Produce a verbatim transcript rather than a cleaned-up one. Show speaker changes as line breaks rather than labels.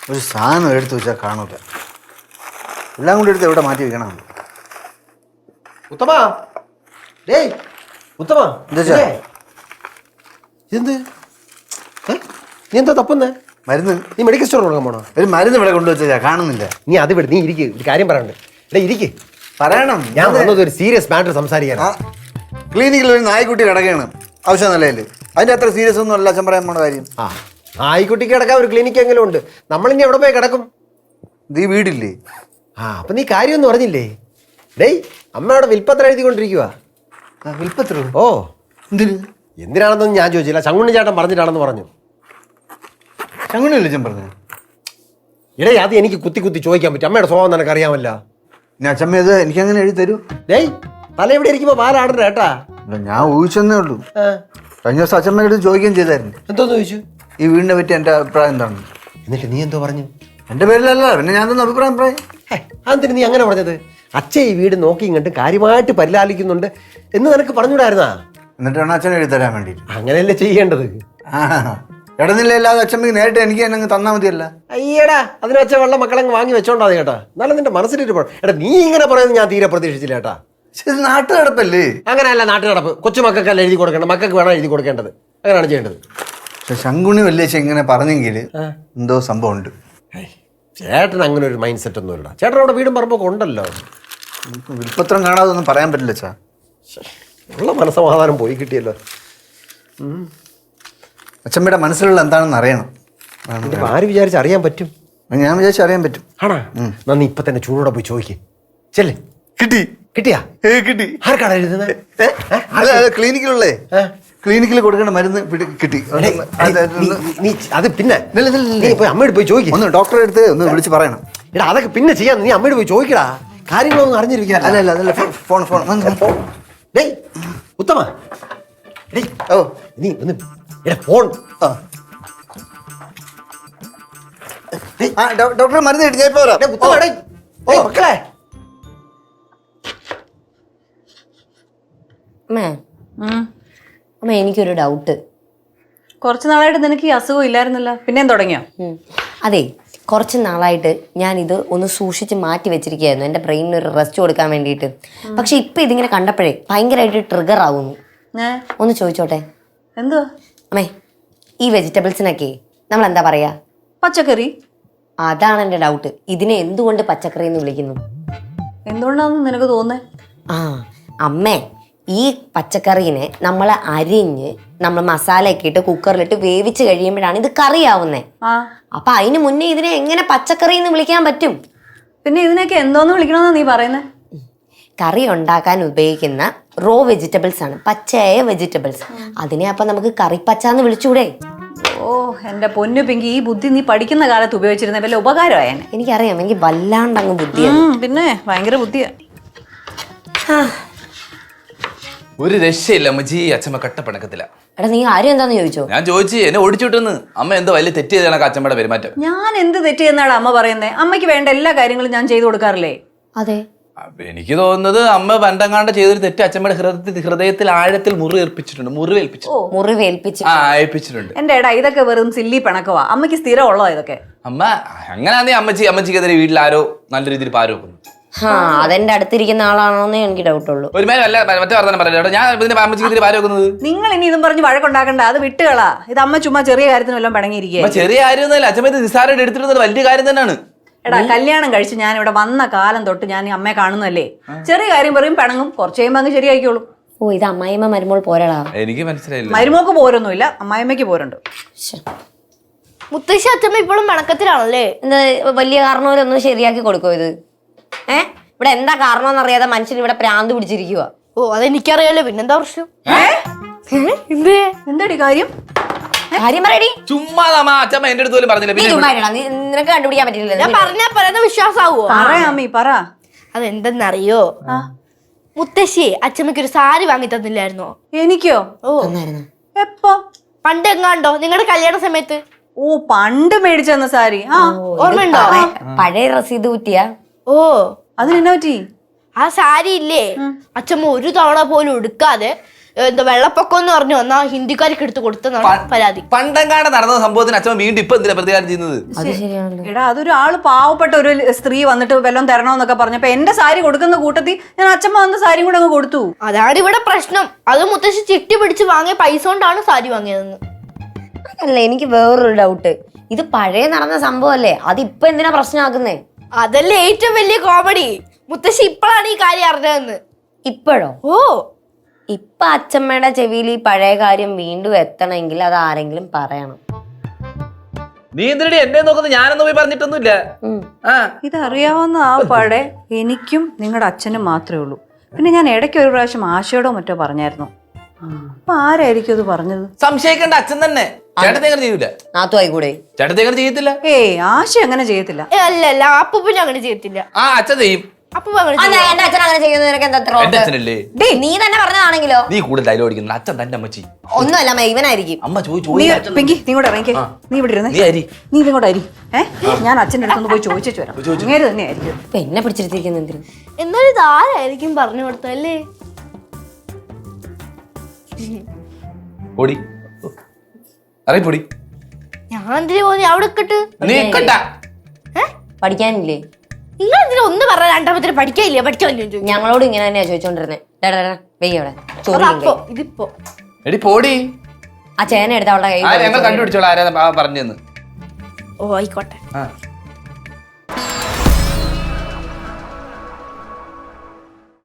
ഒരു സാധനം എടുത്ത് വെച്ചാൽ കാണൂല. എല്ലാം കൂടി എടുത്ത് എവിടെ മാറ്റി വെക്കണം.
ഉത്തമാ ഡേയ് ഉത്തമാ
എന്താ
എന്ത് നീ എന്താ തപ്പുന്നേ?
മരുന്ന്.
നീ മെഡിക്കൽ സ്റ്റോർ കൊടുക്കാൻ പോണോ?
ഒരു മരുന്ന് ഇവിടെ കൊണ്ടുവച്ചാ കാണുന്നില്ല.
നീ അത് വിട്, നീ ഇരിക്ക്, ഒരു കാര്യം പറയണ്ട്. എടാ ഇരിക്ക്,
പറയണം.
ഞാൻ വന്നത് ഒരു സീരിയസ് മാറ്റർ സംസാരിക്കാൻ.
ക്ലിനിക്കിൽ ഒരു നായ്ക്കുട്ടി കിടക്കുകയാണ് ആവശ്യം നിലയിൽ. അതിന്റെ അത്ര സീരിയസ് ഒന്നും അല്ല അച്ഛൻ പറയാൻ പോണ കാര്യം.
ആ നായ്ക്കുട്ടിക്ക് കിടക്കാൻ ഒരു ക്ലിനിക്ക് എങ്കിലും ഉണ്ട്. നമ്മളിനി എവിടെ പോയി കിടക്കും?
നീ വീടില്ലേ?
ആ അപ്പൊ നീ കാര്യമൊന്നും പറഞ്ഞില്ലേ? ഡേയ് അമ്മയോടെ വിൽപ്പത്രം എഴുതിക്കൊണ്ടിരിക്കുക.
വിൽപ്പത്ര?
ഓ
എന്തിന്?
എന്തിനാണെന്നൊന്നും ഞാൻ ചോദിച്ചില്ല. ചങ്ങുണ്ണി ചേട്ടൻ പറഞ്ഞിട്ടാണെന്ന് പറഞ്ഞു.
ചങ്ങുണ്ണി അച്ഛൻ പറഞ്ഞു?
ഇടേ അത് എനിക്ക് കുത്തി കുത്തി ചോദിക്കാൻ പറ്റും. അമ്മയുടെ സ്വഭാവം നിനക്ക് അറിയാമല്ല.
ഞാൻ അച്ഛമ്മ ഇത് എനിക്ക് അങ്ങനെ എഴുതി തരൂ.
ഡേയ് തല എവിടെ ഇരിക്കുമ്പോ പാലാടണ്ട കേട്ടാ.
ഞാൻ ഊഹിച്ചെന്നേ ഉള്ളൂ. കഴിഞ്ഞ ദിവസം അച്ഛമ്മയുടെ അടുത്ത് ചോദിക്കുകയും ചെയ്തായിരുന്നു.
എന്തോന്ന് ചോദിച്ചു?
ഈ വീടിനെ പറ്റി എൻ്റെ അഭിപ്രായം എന്താണ്?
എന്നിട്ട് നീ എന്തോ പറഞ്ഞു?
എൻ്റെ പേരിലല്ല, പിന്നെ ഞാൻ തന്നെ അഭിപ്രായം പറയാം.
അതെന്തിന് നീ അങ്ങനെ പറഞ്ഞത്? അച്ഛൻ ഈ വീട് നോക്കി ഇങ്ങോട്ട് കാര്യമായിട്ട് പരിലാലിക്കുന്നുണ്ട് എന്ന് നിനക്ക് പറഞ്ഞുകൂടായിരുന്നാ?
എന്നിട്ട് വേണം അച്ഛനെ എഴുതി തരാൻ വേണ്ടിയിട്ട്.
അങ്ങനെയല്ലേ ചെയ്യേണ്ടത്.
ആ ഇടനിലല്ലാതെ അച്ഛമ്മക്ക് നേരിട്ട് എനിക്ക് തന്നെ തന്നാൽ മതിയല്ല.
അയ്യടാ അതിന് വെച്ച വെള്ളം മക്കളങ്ങ് വാങ്ങി വെച്ചോണ്ടാ കേട്ടാ. എന്നാലും നിന്റെ മനസ്സിലിട്ട് പോണം. എടാ നീ ഇങ്ങനെ പറയുന്നത് ഞാൻ തീരെ പ്രതീക്ഷിച്ചില്ല കേട്ടാ.
ഇത് നാട്ടു നടപ്പല്ലേ?
അങ്ങനെയല്ല നാട്ടു നടപ്പ്. കൊച്ചു മക്കൾക്കല്ല എഴുതി കൊടുക്കേണ്ടത്, മക്കൾക്ക് വേണം എഴുതി കൊടുക്കേണ്ടത്. അങ്ങനെയാണ് ചെയ്യേണ്ടത്.
പക്ഷെ ശങ്കുണി വലിയ ഇങ്ങനെ പറഞ്ഞെങ്കിൽ എന്തോ സംഭവം ഉണ്ട്.
ചേട്ടൻ അങ്ങനെ ഒരു മൈൻഡ് സെറ്റ് ഒന്നും ഇല്ല. ചേട്ടൻ അവിടെ വീടും പറമ്പൊക്കെ ഉണ്ടല്ലോ.
വിൽപ്പത്രം കാണാതെ ഒന്നും പറയാൻ പറ്റില്ല ചാ.
ഉള്ള മനസ്സമാധാനം പോയി കിട്ടിയല്ലോ.
അച്ഛമ്മയുടെ മനസ്സിലുള്ള എന്താണെന്ന് അറിയണം.
ആര് വിചാരിച്ച് അറിയാൻ പറ്റും?
ഞാൻ വിചാരിച്ച അറിയാൻ പറ്റും.
ആണോ? നന്ദി ഇപ്പൊ തന്നെ ചൂടോടെ പോയി ചോദിക്കേ. ചെല്ലേ. കിട്ടി കിട്ടിയാ? കിട്ടി. ആർക്കാണ് എഴുതുന്നത്?
അല്ല ക്ലിനിക്കിലുള്ളേ, ക്ലിനിക്കിൽ കൊടുക്കേണ്ട മരുന്ന് കിട്ടി.
നീ അത് പിന്നെ അമ്മയോട് പോയി ചോദിക്കും.
ഒന്ന് ഡോക്ടറെ അടുത്ത് ഒന്ന് വിളിച്ച് പറയണം.
എടാ അതൊക്കെ പിന്നെ ചെയ്യാം. നീ അമ്മയോട് പോയി ചോദിക്കടാ. കാര്യങ്ങളൊന്നും അറിഞ്ഞിരിക്കുക.
അല്ല അല്ല അതല്ല ഫോൺ ഫോൺ
ഡേയ് ഉത്തമ ഡേയ്
ഓ
നീ ഒന്ന് എടാ ഫോൺ.
ഡോക്ടറെ മരുന്ന് കിട്ടി. ഞാൻ ഇപ്പൊ വരാം.
മക്കളെ
അമ്മേ അമ്മ എനിക്കൊരു ഡൗട്ട്.
കുറച്ച് നാളായിട്ട് നിനക്ക് ഈ അസുഖം ഇല്ലായിരുന്നല്ലോ, പിന്നെയും തുടങ്ങിയോ?
അതെ കുറച്ച് നാളായിട്ട് ഞാനിത് ഒന്ന് സൂക്ഷിച്ച് മാറ്റി വെച്ചിരിക്കുകയായിരുന്നു എൻ്റെ ബ്രെയിനിന് ഒരു റെസ്റ്റ് കൊടുക്കാൻ വേണ്ടിയിട്ട്. പക്ഷെ ഇപ്പം ഇതിങ്ങനെ കണ്ടപ്പോഴേ ഭയങ്കരമായിട്ട് ട്രിഗർ ആവുന്നു. ഒന്ന് ചോദിച്ചോട്ടെ?
എന്തോ
അമ്മേ ഈ വെജിറ്റബിൾസിനൊക്കെ നമ്മൾ എന്താ പറയാ?
പച്ചക്കറി.
അതാണ് എൻ്റെ ഡൗട്ട്. ഇതിനെ എന്തുകൊണ്ട് പച്ചക്കറി എന്ന് വിളിക്കുന്നു?
എന്തുകൊണ്ടാണെന്ന് നിനക്ക് തോന്നേ?
ആ അമ്മേ ഈ പച്ചക്കറീനെ നമ്മൾ അരിഞ്ഞ് നമ്മൾ മസാലയൊക്കെ ഇട്ട് കുക്കറിലിട്ട് വേവിച്ച് കഴിയുമ്പോഴാണ് ഇത് കറിയാവുന്നേ. അപ്പൊ അതിന് മുന്നേ ഇതിനെ എങ്ങനെ പച്ചക്കറി എന്ന് വിളിക്കാൻ പറ്റും?
പിന്നെ ഇതിനൊക്കെ എന്തോന്ന് വിളിക്കണമെന്നാ നീ പറയുന്നത്?
കറി ഉണ്ടാക്കാൻ ഉപയോഗിക്കുന്ന റോ വെജിറ്റബിൾസ് ആണ്, പച്ചയായ വെജിറ്റബിൾസ്. അതിനെ അപ്പൊ നമുക്ക് കറിപ്പച്ച എന്ന് വിളിച്ചൂടെ?
ഓ എന്റെ പൊന്നു പിങ്കി, ഈ ബുദ്ധി നീ പഠിക്കുന്ന കാലത്ത് ഉപയോഗിച്ചിരുന്ന വല്ല ഉപകാരമായേനെ.
എനിക്കറിയാം, എനിക്ക് വല്ലാണ്ട് അങ്ങ് ബുദ്ധിയാണ്.
പിന്നെ ഭയങ്കര ബുദ്ധിയാ.
ഒരു രക്ഷയില്ല അമ്മച്ചി, അച്ഛമ്മ കട്ടപ്പണക്കത്തില്ല.
എടാ നീ ആരും എന്താന്ന് ചോദിച്ചോ?
ഞാൻ ചോദിച്ചു, എന്നെ ഓടിച്ചുവിട്ടെന്ന്. അമ്മ എന്തോ വലിയ തെറ്റ് ചെയ്താണ് അച്ഛമ്മയുടെ പെരുമാറ്റം.
ഞാൻ എന്ത് തെറ്റ് ചെയ്യുന്നതാണ് അമ്മ പറയുന്നത്? അമ്മയ്ക്ക് വേണ്ട എല്ലാ കാര്യങ്ങളും ഞാൻ ചെയ്തു കൊടുക്കാറില്ലേ?
അതെ.
എനിക്ക് തോന്നുന്നത് അമ്മ പണ്ടങ്ങാണ്ട് ചെയ്തൊരു തെറ്റ് അച്ഛമ്മയുടെ ഹൃദയത്തിൽ ഹൃദയത്തിൽ ആഴത്തിൽ മുറി ഏൽപ്പിച്ചിട്ടുണ്ട്. മുറിവേൽപ്പിച്ചു
മുറിവേൽപ്പിച്ചു
ആ ഏൽപ്പിച്ചിട്ടുണ്ട്.
എന്റെ ഏടാ ഇതൊക്കെ വെറും സില്ലി പിണക്കവാ. അമ്മയ്ക്ക് സ്ഥിരം ഉള്ളതാ ഇതൊക്കെ.
അമ്മ അങ്ങനെയാന്നേ അമ്മച്ചി അമ്മച്ചിക്കെതിരെ വീട്ടിൽ ആരോ നല്ല രീതിയിൽ പാരോക്കുന്നു.
ആ അതെന്റെ അടുത്തിരിക്കുന്ന ആളാണോന്നേ എനിക്ക് ഡൗട്ട് ഉള്ളൂ.
ഒരു മേലെ അല്ല മറ്റേ വർത്തമാനം പറയാം. ഞാൻ ഇതിന്റെ അമ്മച്ചിക്കെതിരെ പാരോക്കുന്നത്.
നിങ്ങൾ ഇനി ഇതും പറഞ്ഞ് വഴക്കുണ്ടാക്കണ്ട, അത് വിട്ടുകളാ. ഇത് അമ്മ ചുമ്മാ ചെറിയ കാര്യത്തിന് വല്ലതും പിണങ്ങിയിരിക്കുക.
ചെറിയ കാര്യമൊന്നുമല്ല, അച്ഛമ്മ ഇത് നിസ്സാരമായിട്ട് എടുത്തിരുന്നത് വലിയ കാര്യം തന്നെയാണ്.
എടാ കല്യാണം കഴിച്ച് ഞാൻ ഇവിടെ വന്ന കാലം തൊട്ട് ഞാൻ ഈ അമ്മയെ കാണുന്നല്ലേ. ചെറിയ കാര്യം പറയും പിണങ്ങും, കുറച്ച് കഴിയുമ്പോൾ അങ്ങ് ശരിയായിക്കോളും.
ഓ ഇത് അമ്മായിമ്മ മരുമോൾ പോരളാ.
എനിക്ക് മനസ്സിലായില്ല.
മരുമോക്ക് പോരൊന്നുമില്ല, അമ്മായിമ്മയ്ക്ക് പോരുണ്ട്.
മുത്തശ്ശി അച്ഛമ്മ ഇപ്പോഴും പിണക്കത്തിലാണല്ലേ?
എന്താ വലിയ കാരണവരൊന്നും ശരിയാക്കി കൊടുക്കോ ഇത്? ഏ ഇവിടെ എന്താ കാരണം അറിയാതെ മനുഷ്യൻ ഇവിടെ പ്രാന്ത് പിടിച്ചിരിക്കുക.
ഓ അതെനിക്കറിയാലോ, പിന്നെന്താ പ്രശ്നം?
എന്താടി കാര്യം?
കാര്യം പറയടി.
ചുമ്മാ അച്ഛമ്മ എന്റെ അടുത്ത് പോലും പറഞ്ഞില്ല.
നിനക്ക് കണ്ടുപിടിക്കാൻ പറ്റില്ല.
ഞാൻ പറഞ്ഞാ പറയുന്ന വിശ്വാസാവോ?
പറയാമീ പറ.
അതെന്തെന്നറിയോ? മുത്തശ്ശി അച്ഛമ്മയ്ക്ക് ഒരു സാരി വാങ്ങി തന്നില്ലായിരുന്നോ?
എനിക്കോ?
ഓ
എപ്പോ?
പണ്ട് എങ്ങാണ്ടോ നിങ്ങളുടെ കല്യാണ സമയത്ത്.
ഓ പണ്ട് മേടിച്ചെന്ന സാരി. ആ
ഓർമ്മയുണ്ടോ?
പഴയ റസീത് കുറ്റിയാ.
ഓ
അതിനെന്നാ പറ്റി?
ആ സാരി ഇല്ലേ അച്ഛമ്മ ഒരു തവണ പോലും എടുക്കാതെ എന്താ വെള്ളപ്പൊക്കം എന്ന് പറഞ്ഞു എന്നാ ഹിന്ദിക്കാർക്ക് എടുത്ത് കൊടുത്തെന്നാണ് പരാതി.
പണ്ടങ്ങാട് നടന്ന സംഭവത്തിന് അച്ഛൻ വീണ്ടും ഇപ്പൊ എന്തിനാ പ്രതികാരം ചെയ്യുന്നത്?
അത് ശരിയാണല്ലോ.
എടാ അതൊരു ആള് പാവപ്പെട്ട ഒരു സ്ത്രീ വന്നിട്ട് വല്ലതും തരണമെന്നൊക്കെ പറഞ്ഞപ്പോ എന്റെ സാരി കൊടുക്കുന്ന കൂട്ടത്തിൽ ഞാൻ അച്ഛമ്മ വന്ന സാരിയും കൂടെ അങ്ങ് കൊടുത്തു.
അതാണ് ഇവിടെ പ്രശ്നം. അത് മുത്തശ്ശി ചിട്ടി പിടിച്ച് വാങ്ങിയ പൈസ കൊണ്ടാണ് സാരി വാങ്ങിയതെന്ന്.
അല്ല, എനിക്ക് വേറൊരു ഡൗട്ട്. ഇത് പഴയ നടന്ന സംഭവല്ലേ, അത് ഇപ്പൊ എന്തിനാ പ്രശ്നമാക്കുന്നേ?
അതല്ലേ ഏറ്റവും വലിയ കോമഡി. മുത്തശ്ശി ഇപ്പോഴാണ് ഈ കാര്യം അറിഞ്ഞതെന്ന്.
ഇപ്പോഴോ?
ഓ,
ഇപ്പൊ അച്ഛമ്മയുടെ ചെവിയിൽ ഈ പഴയ കാര്യം വീണ്ടും എത്തണമെങ്കിൽ അത് ആരെങ്കിലും പറയണം.
നീ എന്തിനടി എന്നെ നോക്കുന്നത്? ഞാനൊന്നും പോയി പറഞ്ഞിട്ടൊന്നുമില്ല. ആ
ഇതറിയാവുന്ന ആ പാടെ എനിക്കും നിങ്ങളുടെ അച്ഛനും മാത്രമേ ഉള്ളൂ. പിന്നെ ഞാൻ ഇടയ്ക്ക് ഒരു പ്രാവശ്യം ആശയോടോ മറ്റോ പറഞ്ഞായിരുന്നു. അപ്പൊ ആരായിരിക്കും അത് പറഞ്ഞത്?
സംശയിക്കേണ്ട അച്ഛൻ തന്നെ. ചേട്ടത്തെ അങ്ങനെ ചെയ്യൂല.
നാത്തു ആയിക്കൂടെ?
ചേട്ടത്തെ അങ്ങനെ ചെയ്യത്തില്ല.
ഏയ് ആശ അങ്ങനെ ചെയ്യത്തില്ല.
ഏ, അല്ല അല്ല അപ്പൂപ്പൻ അങ്ങനെ ചെയ്യത്തില്ല.
ആ അച്ഛൻ ചെയ്യും.
അപ്പൂപ്പൻ അങ്ങനെ
ആ,
ചെയ്യും.
ഞാൻ- എന്റെ അച്ഛൻ അങ്ങനെ ചെയ്യുന്നത് നിനക്ക് എന്താ എത്ര
എന്റെ
ഉറപ്പ്?
അച്ഛനല്ലേ?
ഡേയ്, നീ തന്നെ പറഞ്ഞതാണെങ്കിലോ?
നീ കൂടുതൽ ഡയലോഗ് അടിക്കുന്നത് അച്ഛൻ തന്നെ അമ്മച്ചി.
ഒന്നുമല്ല അമ്മ, ഇവനായിരിക്കും.
അമ്മ ചോദിച്ചു
നീ പെങ്കി നീ കൂടെ ഇറങ്ങിക്കേ. നീ ഇവിടെ ഇരുന്നേ.
നീ അരി.
നീ ഇതങ്ങോട്ട് അരി. ഏഹ് ഞാൻ അച്ഛൻ്റെ അടുത്തൊന്ന് പോയി ചോദിച്ചു വരാം. അങ്ങേര് തന്നെ ആയിരിക്കും.
ഇപ്പൊ എന്നെ പിടിച്ചിരുത്തിരിക്കുന്ന എന്തിനും?
എന്നാലും ഇത് ആരായിരിക്കും പറഞ്ഞു കൊടുത്തല്ലേ?
പൊടി അറിയ പൊടി.
ഞാൻ എന്തിനു പോന്നി അവിടെ ഇട്ടിട്ട്?
നീ കണ്ട
പഠിക്കാനില്ലേ?
നിങ്ങൾ എന്തിനാ ഒന്ന് പറഞ്ഞ രണ്ടാമത്തിന് പഠിക്കാനില്ല പഠിക്കാനില്ല ചോദിക്കും.
ഞങ്ങളോട് ഇങ്ങനെ തന്നെയാ ചോദിച്ചോണ്ടിരുന്നേ. വെയ്യ അവിടെ ചോറ്
അപ്പൊ ഇതിപ്പോ
എടി പോടി.
ആ ചേന എടുത്ത അവളുടെ
ആ ഞങ്ങൾ
കൈ
കണ്ടുപിടിച്ചോളാം ആരാ പറഞ്ഞെന്ന്.
ഓ ആയിക്കോട്ടെ.
ആ